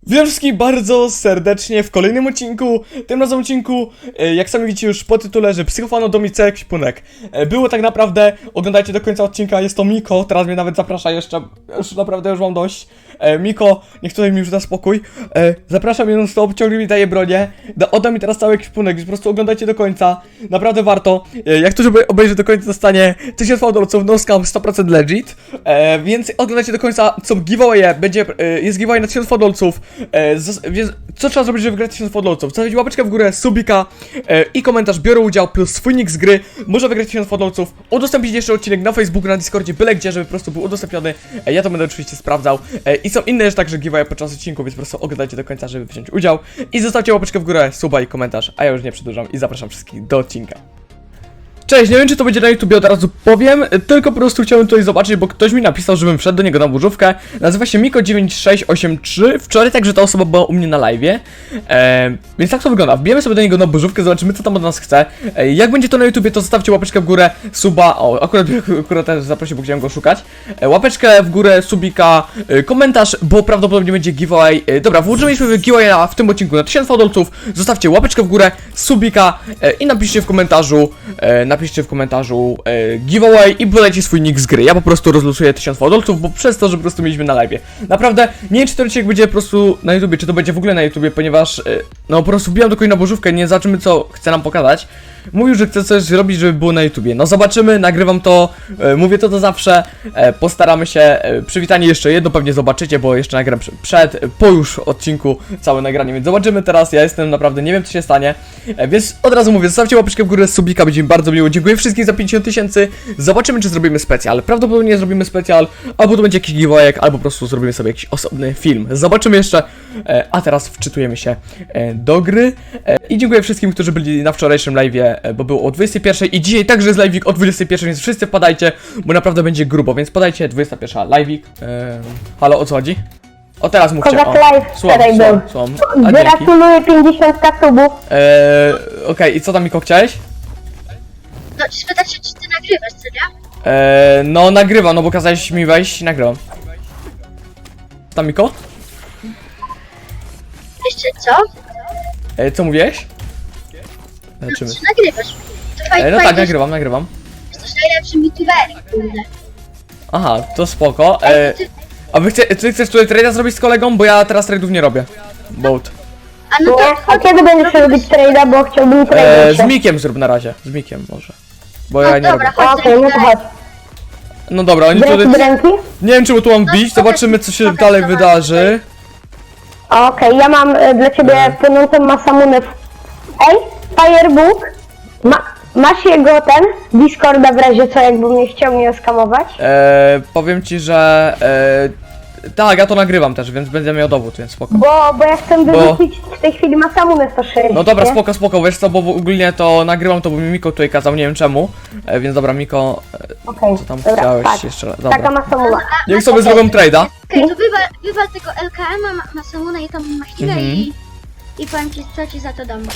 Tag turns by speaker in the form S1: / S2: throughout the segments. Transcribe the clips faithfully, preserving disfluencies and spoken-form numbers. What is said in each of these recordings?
S1: Witam wszystkich bardzo serdecznie w kolejnym odcinku. Tym razem odcinku, e, jak sami widzicie już po tytule, że Psychofano Domice Kwipunek. E, było tak naprawdę, oglądajcie do końca odcinka, jest to Miko, teraz mnie nawet zaprasza jeszcze, już naprawdę już mam dość. E, Miko, niech tutaj mi już da spokój. E, zapraszam mnie non stop, ciągle mi daje bronię. Da, odda mi teraz cały kwipunek, więc po prostu oglądajcie do końca. Naprawdę warto. E, jak ktoś obejrzy do końca, dostanie tysiąc fałdolców, no scam sto procent legit. E, więc oglądajcie do końca, co giveawaye, będzie, e, jest giveaway na tysiąc fałdolców. E, więc co trzeba zrobić, żeby wygrać tysiąc fałdolców? Zostawić łapeczkę w górę, subika e, i komentarz, biorę udział, plus swój nick z gry. Może wygrać tysiąc fałdolców. Udostępnić jeszcze odcinek na Facebooku, na Discordzie, byle gdzie, żeby po prostu był udostępniony. E, ja to będę oczywiście sprawdzał. E, I są inne jeszcze także giveaway podczas odcinku, więc po prostu oglądajcie do końca, żeby wziąć udział. I zostawcie łapeczkę w górę, suba i komentarz, a ja już nie przedłużam i zapraszam wszystkich do odcinka. Cześć, nie wiem czy to będzie na YouTubie, od razu powiem, tylko po prostu chciałem tutaj zobaczyć, bo ktoś mi napisał, żebym wszedł do niego na burzówkę. Nazywa się Miko dziewięć sześć osiem trzy, wczoraj także ta osoba była u mnie na live'ie, e, więc tak to wygląda, wbijemy sobie do niego na burzówkę, zobaczymy co tam od nas chce. E, jak będzie to na YouTubie, to zostawcie łapeczkę w górę, suba, o akurat, akurat też zaprosił, bo chciałem go szukać. E, łapeczkę w górę, subika, e, komentarz, bo prawdopodobnie będzie giveaway. E, dobra, włożyliśmy giveaway w tym odcinku na tysiąc fałdolców, zostawcie łapeczkę w górę, subika e, i napiszcie w komentarzu, e, napiszcie w komentarzu e, giveaway i podajcie swój nick z gry. Ja po prostu rozlosuję tysiąc fałdolców, bo przez to, że po prostu mieliśmy na live. Naprawdę, nie wiem czy ten odcinek będzie po prostu na YouTubie, czy to będzie w ogóle na YouTubie, ponieważ e, no po prostu wbijam do kogoś na bożówkę, nie zobaczymy co chce nam pokazać. Mówił, że chce coś zrobić, żeby było na YouTubie. No zobaczymy, nagrywam to, e, mówię to to zawsze, e, postaramy się. E, przywitanie jeszcze jedno pewnie zobaczycie, bo jeszcze nagram przed, e, po już odcinku całe nagranie, więc zobaczymy teraz. Ja jestem naprawdę, nie wiem co się stanie, e, więc od razu mówię, zostawcie łapeczkę w górę, subika, będzie mi bardzo miło. Dziękuję wszystkim za pięćdziesiąt tysięcy. Zobaczymy czy zrobimy specjal. Prawdopodobnie zrobimy specjal, albo to będzie jakiś giveaway, albo po prostu zrobimy sobie jakiś osobny film. Zobaczymy jeszcze, e, a teraz wczytujemy się e, do gry. E, I dziękuję wszystkim, którzy byli na wczorajszym live'ie, bo było o dwudziestej pierwszej i dzisiaj także jest live'ik o dwudziestej pierwszej, więc wszyscy wpadajcie, bo naprawdę będzie grubo, więc podajcie dwudziesta pierwsza live'ik. Eee, halo, o co chodzi? O teraz mówcie.
S2: Kozak
S1: O,
S2: live
S1: słucham,
S2: wczoraj
S1: słucham,
S2: był.
S1: słucham. A, dzięki.
S2: Gratuluję pięćdziesiąt subów.
S1: Eee, okej, okay. I co tam Miko chciałeś?
S3: No, spytać się, czy ty nagrywasz, co nie?
S1: Eee, no nagrywam, no bo kazałeś mi wejść i nagrywam. Tam Miko?
S3: Jeszcze co?
S1: Eee, co mówiłeś?
S3: No,
S1: Zobaczymy.
S3: czy nagrywasz? To fajnie,
S1: Eee, no tak, nagrywam, nagrywam.
S3: Jesteś najlepszym youtuberem, kurde.
S1: Aha, to spoko. Eee, a wy chce, ty chcesz tutaj trade'a zrobić z kolegą? Bo ja teraz trade'ów nie robię. Boat.
S3: A no
S2: Nie?
S3: to
S2: A kiedy będziesz robić trade'a, bo chciałbym
S1: Eee,
S2: trade'a
S1: z Mikiem zrób na razie, z Mikiem może. Bo ja
S3: No
S1: nie
S3: dobra,
S1: robię.
S3: chodź.
S2: Okej, no to chodź.
S1: No dobra, oni
S2: Z
S1: tutaj...
S2: ręki do ręki?
S1: Nie wiem czemu tu mam bić, zobaczymy co się dalej wydarzy.
S2: Okej, ja mam e, dla ciebie płynącą masamunę. Ej, Firebook, ma, masz jego ten Discorda w razie co, jakby mnie chciał mnie oskamować?
S1: Eee, powiem ci, że... Eee, tak, ja to nagrywam też, więc będę miał dowód, więc spoko.
S2: Bo, bo ja chcę
S1: Bo-
S2: wyrzucić w tej chwili masamunę sto sześć.
S1: No dobra,
S2: nie?
S1: spoko, spoko, wiesz co, bo ogólnie to nagrywam to, bo mi Miko tutaj kazał, nie wiem czemu. E, więc dobra, Miko, e,
S2: Okej,
S1: co tam
S2: dobra,
S1: chciałeś
S2: tak.
S1: jeszcze raz?
S2: Taka
S1: Dobra.
S2: masamuna.
S1: Niech sobie zrobią trade'a.
S3: Okej, to wywal, wywal tego L K M-a, ma, Masamuna i tam machinę
S1: Mhm.
S3: i... I powiem ci, co ci za to dam.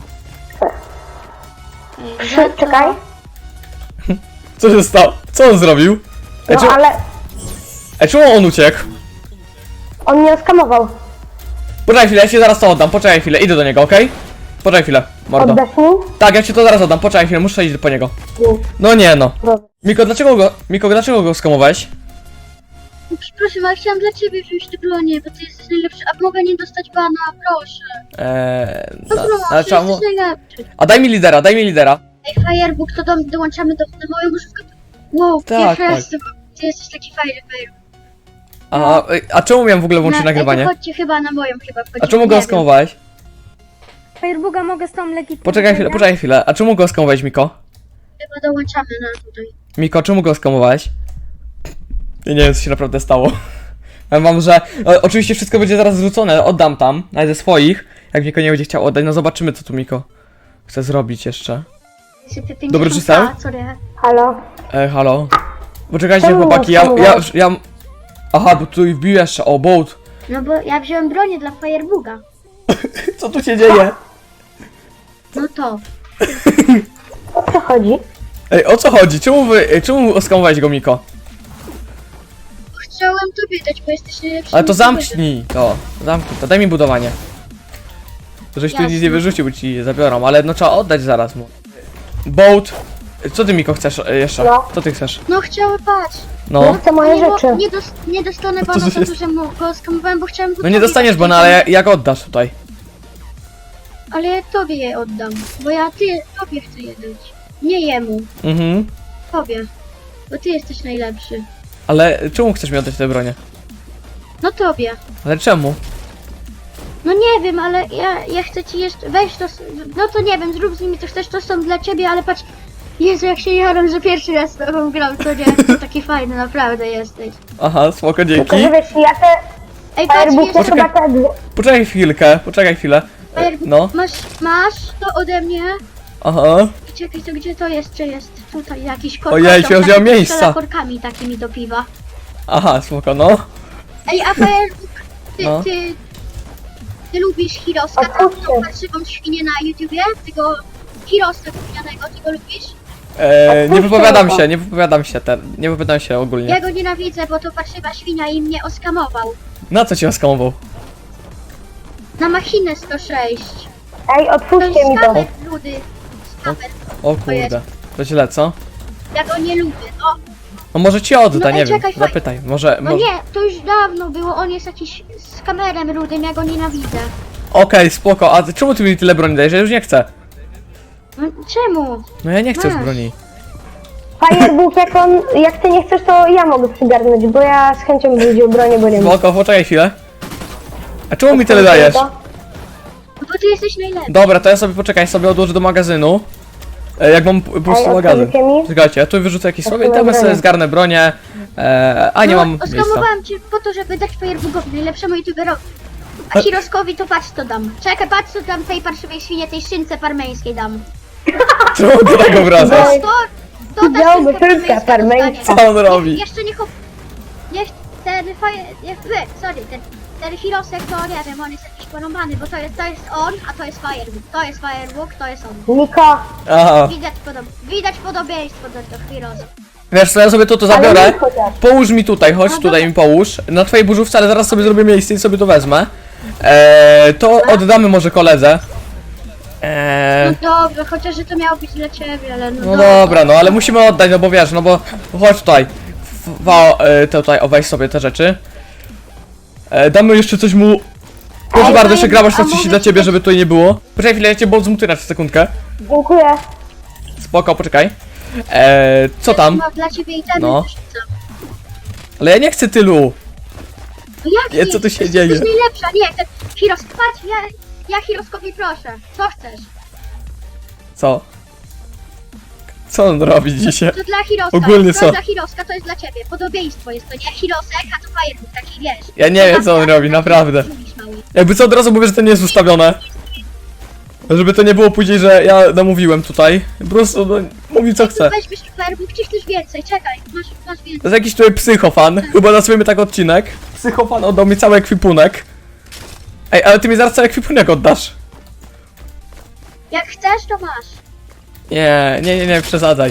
S3: Ej,
S2: Trzy,
S3: za to-
S2: czekaj.
S1: Co się stało? Co on zrobił? E,
S2: No
S1: czemu,
S2: ale
S1: e, czemu on uciekł?
S2: on mnie oskamował.
S1: Poczekaj chwilę, ja ci zaraz to oddam, poczekaj chwilę, idę do niego, okej? Poczekaj chwilę, mordo.
S2: Oddasz mi?
S1: Tak, ja ci to zaraz oddam, poczekaj chwilę, muszę iść po niego. No nie no.
S2: Dobra.
S1: Miko, dlaczego go, Miko, dlaczego go skamowałeś?
S3: Przepraszam, ale chciałam dla ciebie wziąć te bronie, bo ty jesteś najlepszy, a mogę nie dostać bana, proszę.
S1: Eee,
S3: No
S1: na,
S3: proszę,
S1: ale czemu?
S3: jesteś najlepszy.
S1: A daj mi lidera, daj mi lidera.
S3: Ej, Firebook, to do, dołączamy do, do moją burzówkę. Wow,
S1: Tak,
S3: pierwszy
S1: tak.
S3: raz, ty, ty jesteś taki fajny, Firebook.
S1: A, a czemu miałem w ogóle włączyć
S3: Na- ej,
S1: nagrywanie?
S3: to chodźcie chyba na moją chyba wchodzimy,
S1: A czemu go
S3: nie wiem.
S1: skamowałeś?
S4: Firebooga mogę z tą legitymacją.
S1: Poczekaj chwilę, poczekaj chwilę. A czemu go skamowałeś, Miko?
S3: Chyba dołączamy na tutaj.
S1: Miko, czemu go skamowałeś? Ja nie wiem, co się naprawdę stało. Ja mam, że... O, oczywiście wszystko będzie zaraz zrzucone, oddam tam, nawet ze swoich. Jak Miko nie będzie chciał oddać, no zobaczymy, co tu Miko chce zrobić jeszcze. Dobry, czy sam?
S3: Sorry.
S2: Halo?
S1: E, halo? Poczekajcie,
S2: Czemu
S1: chłopaki, ja, ja,
S2: skamowałeś?
S1: ja... Aha, bo tu wbił jeszcze, o, boat.
S3: No bo ja wziąłem bronię dla Firebooga.
S1: Co tu się dzieje?
S3: No to.
S2: O co chodzi?
S1: Ej, o co chodzi? Czemu wy... Czemu oskamowałeś go, Miko?
S3: Chciałem chciałem tobie dać, bo jesteś najlepszy.
S1: Ale to zamknij to, zamknij to, daj mi budowanie. Żeś tu nic
S3: Jasne.
S1: nie wyrzucił, bo ci je zabiorą, ale no trzeba oddać zaraz mu. Boat, co ty Miko chcesz e, jeszcze?
S2: No.
S1: Co ty chcesz?
S3: No chciałem, patrz.
S1: No,
S2: Chcę moje
S3: nie,
S2: rzeczy.
S3: Bo, nie, dos nie dostanę
S1: to
S3: bana za
S1: jest-
S3: to, że mu go skamowałem, bo chciałem go
S1: no nie
S3: tobie
S1: dostaniesz,
S3: dać,
S1: bo no ale jak oddasz tutaj?
S3: Ale ja tobie je oddam, bo ja ty, tobie chcę je dać. Nie jemu,
S1: Mhm.
S3: tobie. Bo ty jesteś najlepszy.
S1: Ale czemu chcesz mi oddać te bronie?
S3: No tobie.
S1: Ale czemu?
S3: No nie wiem, ale ja, ja chcę ci jeszcze, weź to, s- no to nie wiem, zrób z nimi co chcesz, to są dla ciebie, ale patrz, Jezu, jak się jaram, że pierwszy raz z tobą gram, to nie, to taki fajny, naprawdę jesteś.
S1: Aha, spoko,
S2: Tylko,
S1: dzięki.
S2: że wiesz, ja te
S3: Ej, patrz,
S2: Firebook to
S3: jest,
S2: chyba te dwie.
S1: Poczekaj chwilkę, poczekaj chwilę.
S3: Firebook,
S1: No,
S3: masz, masz to ode mnie?
S1: aha.
S3: Czekaj, to gdzie to jeszcze jest? Tutaj jakiś kork.
S1: Ojej, się wziął miejsca.
S3: korkami takimi do piwa.
S1: Aha, spoko, no.
S3: Ej, a Firebook, ty,
S1: No.
S3: ty, ty lubisz Hiroska, tą,
S2: Odpuśćcie.
S3: tą parszywą świnię na YouTubie? Tego Hiroska gównianego, ty go lubisz?
S1: E, nie
S2: Odpuśćcie
S1: wypowiadam
S2: go.
S1: się, nie wypowiadam się, te, nie wypowiadam się ogólnie.
S3: Ja go nienawidzę, bo to parszywa świnia i mnie oskamował.
S1: Na co cię oskamował?
S3: Na machinę sto sześć.
S2: Ej,
S3: To
S2: otwórzcie
S3: jest
S2: mi to.
S3: skamer, ludy. Skamer.
S1: O kurde, to źle, co?
S3: Ja go nie lubię, no.
S1: No może ci odda,
S3: No ej,
S1: nie wiem,
S3: czekaj, faj-
S1: zapytaj, może,
S3: No
S1: może...
S3: nie, to już dawno było, on jest jakiś skamerem rudym, ja go nienawidzę.
S1: Okej, spoko, a ty- czemu ty mi tyle broni dajesz? Ja już nie chcę.
S3: No, czemu?
S1: No ja nie chcę już
S3: Masz.
S1: broni.
S2: Firebook, jak on, jak ty nie chcesz, to ja mogę przygarnąć, bo ja z chęcią bym wziął bronię, bo nie wiem.
S1: Spoko, poczekaj chwilę. A czemu mi tyle dajesz?
S3: No bo ty jesteś najlepszy.
S1: Dobra, to ja sobie poczekaj, sobie odłożę do magazynu. E, jak mam p- po prostu
S2: Ej,
S1: magazyn.
S2: otworzycie mi?
S1: Czekajcie, ja tu wyrzucę jakieś sobie i
S2: Otwórz
S1: tam sobie
S2: bronię.
S1: zgarnę bronię. E, a nie
S3: no,
S1: mam miejsca.
S3: oskamowałem cię po to, żeby dać Firebookowi, najlepszemu youtuberowi. A Hiroskowi to patrz co dam. Czekaj, patrz co dam tej parszywej świnie, tej szynce parmeńskiej dam.
S1: Czemu ty tak obracasz?
S2: Ej,
S3: To, to ta
S2: Widziałby
S3: szynka
S2: szynka parmeńska.
S3: dostanie.
S1: Co on robi?
S3: Nie, jeszcze niech... op- Niech ten faje... Niech, wy, sorry, ten, ten Hirosek to nie wiem, on jest jakiś porąbany, bo to jest, to jest on, a to jest Firebook. To jest Firebook, to jest on.
S2: Niko,
S1: Aha.
S3: Widać, podob widać podobieństwo do tego Hirosa.
S1: Wiesz co, ja sobie to, to
S2: ale
S1: zabiorę.
S2: nie chociaż.
S1: Połóż mi tutaj, chodź
S3: No
S1: tutaj
S3: dobra.
S1: mi połóż. Na twojej burzówce, ale zaraz sobie zrobię miejsce i sobie to wezmę. E, to oddamy może koledze. E,
S3: No dobrze, chociaż że to miało być dla ciebie, ale no,
S1: no dobra, no ale musimy oddać, no bo wiesz, no bo chodź tutaj. W, wa- e, te tutaj, o weź sobie te rzeczy. E, damy jeszcze coś mu. Proszę
S3: Ej,
S1: bardzo,
S3: no
S1: jeszcze
S3: ja-
S1: grabasz
S3: a
S1: na coś
S3: mogę
S1: dla
S3: ci
S1: ciebie,
S3: dać-
S1: żeby tutaj nie było. Poczekaj chwilę, ja cię bol zmutuję na sekundkę.
S2: dziękuję.
S1: Spoko, poczekaj. E, co tam?
S3: Mam dla ciebie i ten
S1: No.
S3: też chcę.
S1: Ale ja nie chcę tylu.
S3: No jak
S1: Nie,
S3: nie?
S1: co tu się
S3: Jesteś
S1: dzieje?
S3: najlepsza, nie, ten Hiros, patrz, ja, ja Hiroskowi proszę, co chcesz?
S1: Co? Co on robi dzisiaj?
S3: To dla Hiroska,
S1: Ogólnie
S3: to
S1: co?
S3: dla Hiroska to jest dla ciebie, podobieństwo jest to, nie Hirosek, a to Firebook, taki wiesz.
S1: Ja nie wiem, co on robi, naprawdę.
S3: Mówisz, mały.
S1: Jakby co, od razu mówię, że to nie jest ustawione. Żeby to nie było później, że ja namówiłem tutaj. Po prostu, no, mówi co chce.
S3: Weźmiesz Firebook, czy chcesz więcej, czekaj, masz, masz więcej.
S1: To jest jakiś tutaj psychofan. Chyba nazwiemy tak odcinek. Psychofan oddał mi cały ekwipunek. Ej, ale ty mi zaraz cały ekwipunek oddasz.
S3: Jak chcesz, to masz.
S1: Nie, nie, nie, nie, przesadzaj.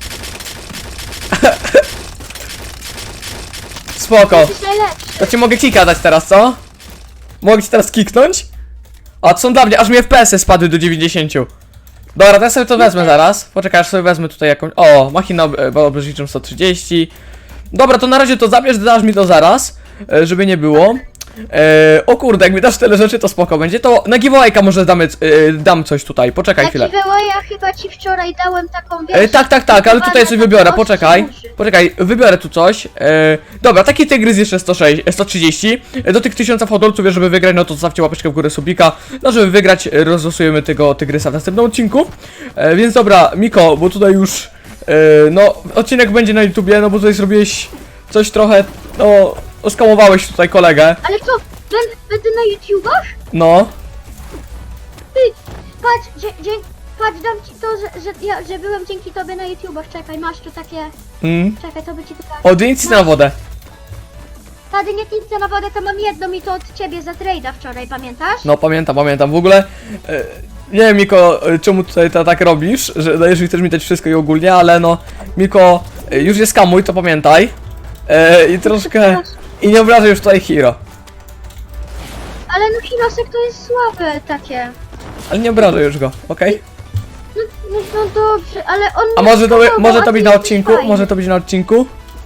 S1: Spoko.
S3: Jesteś najlepszy.
S1: To ci mogę kika dać teraz, co? Mogę ci teraz kiknąć? A to są dla mnie, aż mi F P S-y spadły do dziewięćdziesięciu. Dobra, to ja sobie to wezmę zaraz. Poczekaj, aż sobie wezmę tutaj jakąś... O, machina ob e, obrożniczą sto trzydzieści. Dobra, to na razie to zabierz, dasz mi to zaraz, e, żeby nie było. E, o kurde, jak mi dasz tyle rzeczy, to spoko będzie. To na giveawayka może damy, e, dam coś tutaj, poczekaj
S3: Na
S1: chwilę.
S3: ja chyba ci wczoraj dałem taką, wiesz...
S1: E, tak, tak, tak, ale tutaj coś wybiorę, poczekaj.
S3: Uszy.
S1: Poczekaj, wybiorę tu coś. E, dobra, taki tygrys jeszcze sto sześć, sto trzydzieści. E, do tych tysiąca hodolców, wiesz, żeby wygrać, no to zostawcie łapeczkę w górę, subika. No, żeby wygrać, e, rozlosujemy tego tygrysa w następnym odcinku. E, więc dobra, Miko, bo tutaj już, e, no, odcinek będzie na YouTubie, no bo tutaj zrobiłeś coś trochę, no, oskamowałeś tutaj kolegę.
S3: Ale co, będę, będę na YouTubach?
S1: No,
S3: Ty, patrz, dzie, dzie, patrz, dam ci to, że, że, ja, że byłem dzięki tobie na YouTubach, czekaj, masz tu takie,
S1: mm.
S3: czekaj, to by ci tutaj...
S1: O, dynicę na wodę.
S3: Tady nie pizza na wodę, to mam jedną i to od ciebie za trade'a wczoraj, pamiętasz?
S1: No pamiętam, pamiętam. W ogóle e, nie wiem, Miko, e, czemu tutaj to tak robisz, że dajesz mi chcesz mi dać wszystko i ogólnie, ale no Miko, e, już jest kamuj, to pamiętaj. E, I troszkę I nie obrażaj już tutaj Hiro.
S3: Ale no Hirosek to jest słabe takie.
S1: Ale nie obrażaj już go, okej?
S3: No, no, no dobrze, ale on
S1: A
S3: mnie
S1: może to,
S3: schował,
S1: może
S3: a
S1: to
S3: ty
S1: być na
S3: jesteś
S1: odcinku?
S3: fajny.
S1: Może to być na odcinku?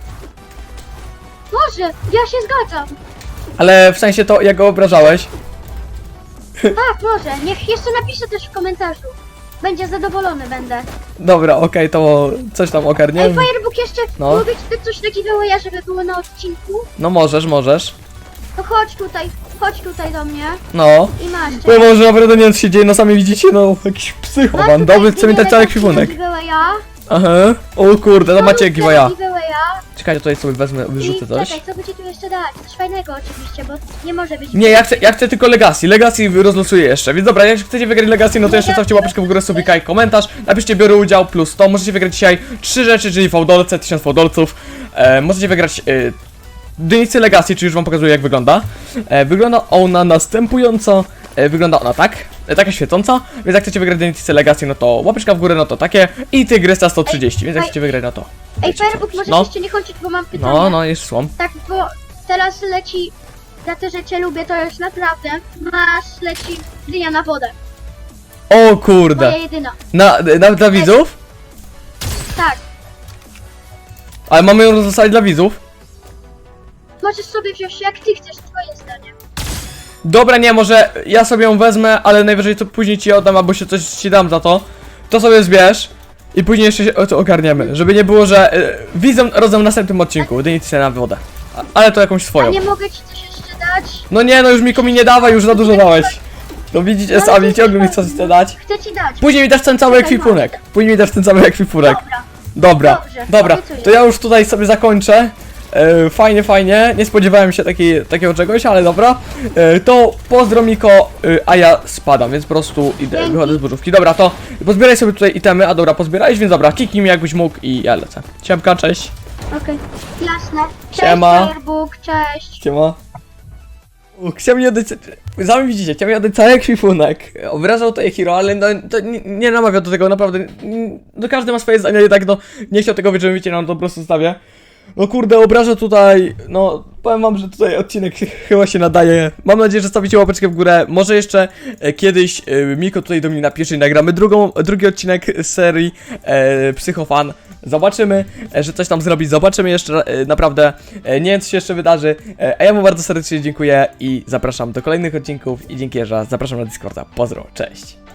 S3: Może, ja się zgadzam.
S1: Ale w sensie to, jak go obrażałeś?
S3: Tak, może. Niech jeszcze napisze też w komentarzu. Będzie zadowolony będę.
S1: Dobra, okej, to coś tam
S3: Ej,
S1: ogarniemy.
S3: Firebook jeszcze
S1: No.
S3: mogę ci dać coś takiego, ja żeby było na odcinku.
S1: No możesz, możesz.
S3: To chodź tutaj, chodź tutaj do mnie
S1: No.
S3: i masz.
S1: Bo może naprawdę nie wiem co się dzieje, no sami widzicie, no jakiś
S3: Masz
S1: psychoman,
S3: tutaj
S1: dobry chce mi dać cały
S3: giveaway,
S1: ekwipunek.
S3: giveawaya.
S1: Aha. O kurde, to macie giveawaya.
S3: giveawaya.
S1: Czekajcie, tutaj sobie wezmę, wyrzucę
S3: I
S1: coś.
S3: czekaj, co będzie tu jeszcze dać? Coś fajnego oczywiście, bo nie może być.
S1: Nie, ja chcę, ja chcę tylko Legacy, Legacy rozlosuję jeszcze, więc dobra, jak chcecie wygrać Legacy, no to jeszcze stawcie łapeczkę w górę, subika i komentarz, napiszcie biorę udział plus to, możecie wygrać dzisiaj trzy rzeczy, czyli fałdolce, tysiąc fałdolców, e, możecie wygrać e, dynicę Legacy, czyli już wam pokazuję jak wygląda. E, wygląda ona następująco, e, wygląda ona tak, e, taka świecąca, więc jak chcecie wygrać dynicę Legacy, no to łapeczka w górę, no to takie i Tygrysa sto trzydzieści, więc jak
S3: Ej,
S1: chcecie wygrać, no to
S3: Ej, Firebook, możesz
S1: No.
S3: jeszcze nie kończyć, bo mam pytanie.
S1: no, no, jest słom.
S3: Tak, bo teraz leci, za to, że cię lubię, to już naprawdę, masz, leci dynia na wodę.
S1: O kurde,
S3: Moja jedyna.
S1: na, na, dla widzów?
S3: Tak,
S1: Ale mamy ją rozlosować dla widzów?
S3: możesz sobie wziąć jak ty chcesz, twoje zdanie.
S1: Dobra, nie, może ja sobie ją wezmę, ale najwyżej to później ci oddam, albo się coś ci dam za to. To sobie zbierz i później jeszcze się o to ogarniemy, żeby nie było, że y, widzę rozdam w następnym odcinku, dynicę na wodę. A, ale to jakąś
S3: A
S1: swoją.
S3: nie mogę ci coś jeszcze dać?
S1: No nie, no już mi komi nie dawaj, już za dużo dałeś. No widzicie
S3: No,
S1: sami,
S3: ale
S1: ciągle mi
S3: to-
S1: coś chce dać.
S3: Chcę ci dać.
S1: Później mi dasz ten cały
S3: Czekaj,
S1: ekwipunek. Później mi dasz ten cały ekwipunek.
S3: Dobra.
S1: Dobra,
S3: Dobrze,
S1: dobra,
S3: obiecuję.
S1: to ja już tutaj sobie zakończę. E, fajnie, fajnie, nie spodziewałem się takiej, takiego czegoś, ale dobra. E, to pozdro Miko, e, a ja spadam, więc po prostu idę,
S3: Dzięki.
S1: wychodzę z burzówki. Dobra, to pozbieraj sobie tutaj itemy, a dobra, pozbierałeś, więc dobra, kiknij mnie jakbyś mógł i ja lecę. Siemka, cześć.
S3: Okej, jasne. Cześć,
S1: Siema.
S3: Firebook, cześć.
S1: Siema. U, Chciał mi oddać, sami widzicie, chciał mi oddać cały ekwipunek. Obrażał tutaj Hiro, ale no, to nie, nie namawiał do tego, naprawdę. mm, No każdy ma swoje zdanie i tak no, nie chciał tego wieczorem, wiecie, no to po prostu zostawię. No kurde, obraża tutaj, no powiem wam, że tutaj odcinek chyba się nadaje. Mam nadzieję, że stawicie łapeczkę w górę. Może jeszcze e, kiedyś e, Miko tutaj do mnie napisze i nagramy drugą, drugi odcinek z serii e, Psychofan. Zobaczymy, e, że coś tam zrobi, zobaczymy jeszcze, e, naprawdę, e, nie wiem co się jeszcze wydarzy. E, a ja mu bardzo serdecznie dziękuję i zapraszam do kolejnych odcinków i dzięki, że zapraszam na Discorda. Pozdro, cześć.